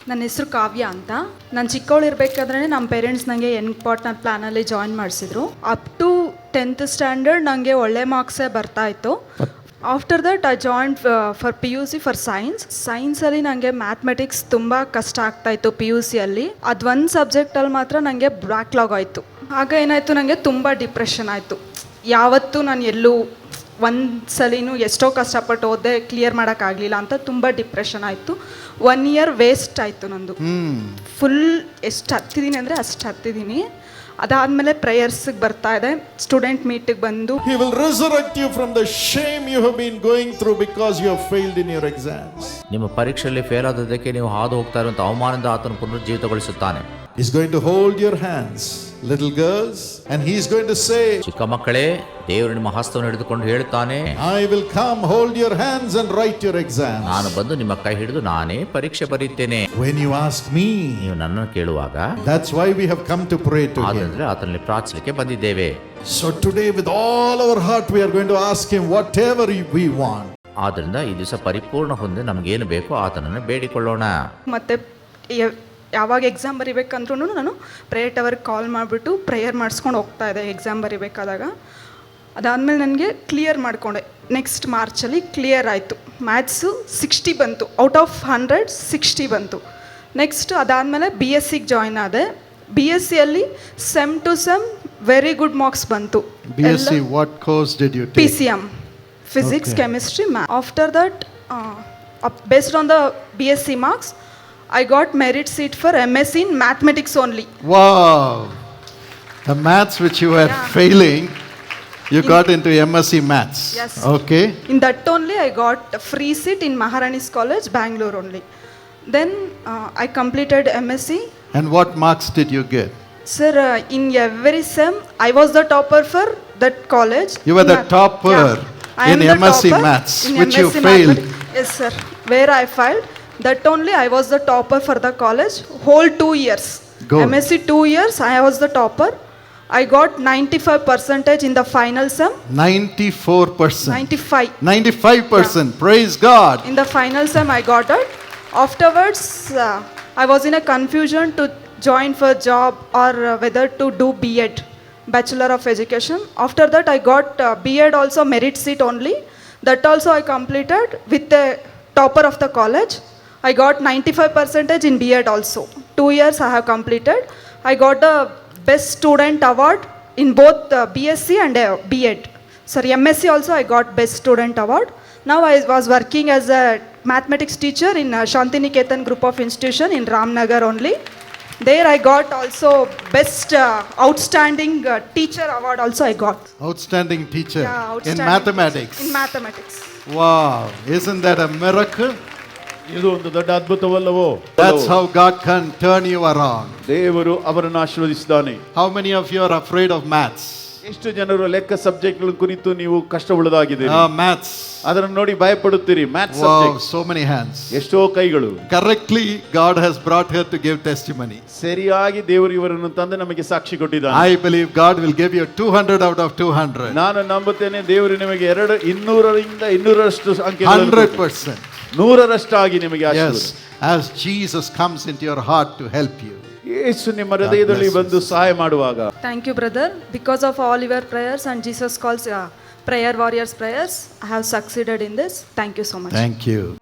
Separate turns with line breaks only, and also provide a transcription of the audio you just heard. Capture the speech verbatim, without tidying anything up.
ನನ್ನ ಹೆಸರು ಕಾವ್ಯ ಅಂತ. ನಾನು ಚಿಕ್ಕವಳು ಇರಬೇಕಾದ್ರೆ ನಮ್ಮ ಪೇರೆಂಟ್ಸ್ ನನಗೆ ಎನ್ ಪಾರ್ಟ್ನರ್ ಪ್ಲ್ಯಾನಲ್ಲಿ ಜಾಯಿನ್ ಮಾಡಿಸಿದ್ರು. ಅಪ್ ಟು ಟೆಂತ್ ಸ್ಟ್ಯಾಂಡರ್ಡ್ ನನಗೆ ಒಳ್ಳೆ ಮಾರ್ಕ್ಸೇ ಬರ್ತಾಯಿತ್ತು. After that I join for P U C for science. ಸೈನ್ಸಲ್ಲಿ ನನಗೆ ಮ್ಯಾಥಮೆಟಿಕ್ಸ್ ತುಂಬ ಕಷ್ಟ ಆಗ್ತಾಯಿತ್ತು ಪಿ ಯು ಸಿಯಲ್ಲಿ. ಅದೊಂದು ಸಬ್ಜೆಕ್ಟಲ್ಲಿ ಮಾತ್ರ ನನಗೆ ಬ್ಯಾಕ್ಲಾಗ್ ಆಯಿತು. ಆಗ ಏನಾಯಿತು, ನನಗೆ ತುಂಬ ಡಿಪ್ರೆಷನ್ ಆಯಿತು. ಯಾವತ್ತೂ ನಾನು ಎಲ್ಲೂ ಒಂದು ಸಲಿನೂ ಎಷ್ಟೋ ಕಷ್ಟಪಟ್ಟು ಓದೇ ಕ್ಲಿಯರ್ ಮಾಡೋಕ್ಕಾಗಲಿಲ್ಲ ಅಂತ ತುಂಬ ಡಿಪ್ರೆಷನ್ ಆಯಿತು. ಒನ್ ಇಯರ್ ವೇಸ್ಟ್ ಆಯಿತು ನಂದು. ಫುಲ್ ಎಷ್ಟು ಹತ್ತಿದ್ದೀನಿ ಅಂದರೆ ಅಷ್ಟು ಹತ್ತಿದ್ದೀನಿ. ಅದಾದಮೇಲೆ ಪ್ರೇಯರ್ಸ್ಗೆ ಬರ್ತಾ ಇದೆ, ಸ್ಟೂಡೆಂಟ್ ಮೀಟಿಗೆ ಬಂದು
He will resurrect you from the shame you have been going through because you have failed in your exams.
ನಿಮ್ಮ ಪರೀಕ್ಷೆಯಲ್ಲಿ ಫೇಲ್ ಆದದಕ್ಕೆ ನೀವು ಹಾದು ಹೋಗ್ತಾ ಇರುವಂತಹ ಅವಮಾನದಿಂದ ಆತನು ಪುನರುಜ್ಜೀವಿತಗೊಳಿಸುತ್ತಾನೆ.
He's going to hold your hands, little girls, and he's going to say,
ಚಿಕ್ಕ ಮಕ್ಕಳೇ, ದೇವರು ನಿಮ್ಮ ಹಸ್ತವನ್ನು ಹಿಡಿದುಕೊಂಡು ಹೇಳುತ್ತಾನೆ,
I will come, hold your hands and write your exams.
ನಾನು ಬಂದು ನಿಮ್ಮ ಕೈ ಹಿಡಿದು ನಾನೇ ಪರೀಕ್ಷೆ ಬರೆಯುತ್ತೇನೆ.
When you ask me,
ನೀವು ನನ್ನನ್ನು ಕೇಳುವಾಗ,
that's why we have come to pray to him.
ಆದ್ರೆ ಆತನಲ್ಲಿ ಪ್ರಾರ್ಥಿಸಲಿಕ್ಕೆ ಬಂದಿದ್ದೇವೆ.
So today with all our heart we are going to ask him whatever we want.
ಆದ್ದರಿಂದ ಈ ದಿವಸ ಪರಿಪೂರ್ಣ ಹೊಂದಿ ನಮಗೇನು ಬೇಕೋ ಆತನನ್ನು ಬೇಡಿಕೊಳ್ಳೋಣ.
ಮತ್ತೆ ಯಾವಾಗ ಎಕ್ಸಾಮ್ ಬರಿಬೇಕಂದ್ರೂ ನಾನು ಪ್ರೇಯರ್ ಟವರ್ಗೆ ಕಾಲ್ ಮಾಡಿಬಿಟ್ಟು ಪ್ರೇಯರ್ ಮಾಡಿಸ್ಕೊಂಡು ಹೋಗ್ತಾ ಇದ್ದೆ ಎಕ್ಸಾಮ್ ಬರಿಬೇಕಾದಾಗ. ಅದಾದಮೇಲೆ ನನಗೆ ಕ್ಲಿಯರ್ ಮಾಡಿಕೊಂಡೆ. ನೆಕ್ಸ್ಟ್ ಮಾರ್ಚಲ್ಲಿ ಕ್ಲಿಯರ್ ಆಯಿತು. ಮ್ಯಾಥ್ಸು ಸಿಕ್ಸ್ಟಿ ಬಂತು, ಔಟ್ ಆಫ್ ಹಂಡ್ರೆಡ್ ಸಿಕ್ಸ್ಟಿ ಬಂತು. ನೆಕ್ಸ್ಟ್ ಅದಾದಮೇಲೆ ಬಿ ಎಸ್ ಸಿಗೆ ಜಾಯ್ನ್ ಆದೆ. ಬಿ ಎಸ್ ಸಿಯಲ್ಲಿ sem two sem very good marks ಬಂತು.
B S c what course did you take?
P C M, physics, chemistry, math. After that based on the B S C marks I got merit seat for M S c in mathematics only.
Wow! The maths which you were yeah. failing, you in, got into M S c maths.
Yes.
Okay.
In that only I got a free seat in Maharani's College, Bangalore only. Then uh, I completed M S c.
And what marks did you get?
Sir, uh, in every sem I was the topper for that college.
You were the
Math.
topper
yeah.
in M S c maths, which
M S c
you failed.
Yes, sir. Where I failed. That only I was the topper for the college whole two years.
Good.
M S c two years I was the topper. I got ninety-five percentage in the final sum.
ninety-four percent.
ninety-five.
ninety-five percent. Yeah. Praise God.
In the final sum I got it. Afterwards uh, I was in a confusion to join for job or uh, whether to do B Ed, Bachelor of Education. After that I got uh, B Ed also merit seat only. That also I completed with the topper of the college. I got ninety-five percentage in B Ed also. Two years I have completed. I got the best student award in both uh, B S c and uh, B Ed. Sorry, M S c also I got best student award. Now I was working as a mathematics teacher in uh, Shantiniketan group of institution in Ramnagar only. There I got also best uh, outstanding uh, teacher award also I got.
Outstanding teacher
yeah, outstanding
in mathematics.
Teacher. In mathematics.
Wow, isn't that a miracle?
ಇದು ಒಂದು ದೊಡ್ಡ ಅದ್ಭುತವಲ್ಲವೋ?
That's how God can turn you around.
ದೇವರು ಅವರನ್ನು ಆಶೀರ್ವದಿಸಿದ್ದಾನೆ.
How many of you are afraid of maths?
ಎಷ್ಟು ಜನರು ಲೆಕ್ಕ ಸಬ್ಜೆಕ್ಟ್ಗಳ ಕುರಿತು ನೀವು ಕಷ್ಟವುಳ್ಳದಾಗಿದ್ದೀರಿ?
Ah, maths.
ಅದನ್ನು ನೋಡಿ ಭಯಪಡುತ್ತೀರಿ. Maths
wow,
subject.
so many hands.
ಎಷ್ಟೋ ಕೈಗಳು.
Correctly God has brought her to give testimony.
ಸರಿಯಾಗಿ ದೇವರು ಇವರನ್ನು ತಂದು ನಮಗೆ ಸಾಕ್ಷಿ ಕೊಟ್ಟಿದ್ದಾನೆ.
I believe God will give you two hundred out of two hundred.
ನಾನು ನಂಬುತ್ತೇನೆ ದೇವರು ನಿಮಗೆ ಎರಡು ಇನ್ನೂರರಿಂದ ಇನ್ನೂರರಷ್ಟು ಅಂಕೆಗಳನ್ನು
one hundred percent.
ನೂರರಷ್ಟಾಗಿ ನಿಮಗೆ
yes, as Jesus comes into your heart to help you.
ಯೇಸು ನಿಮ್ಮ ಹೃದಯದಲ್ಲಿ ಬಂದು ಸಹಾಯ ಮಾಡುವಾಗ.
Thank you, brother. Because of all your prayers and Jesus calls uh, prayer warriors prayers, I have succeeded in this. Thank you so much.
Thank you.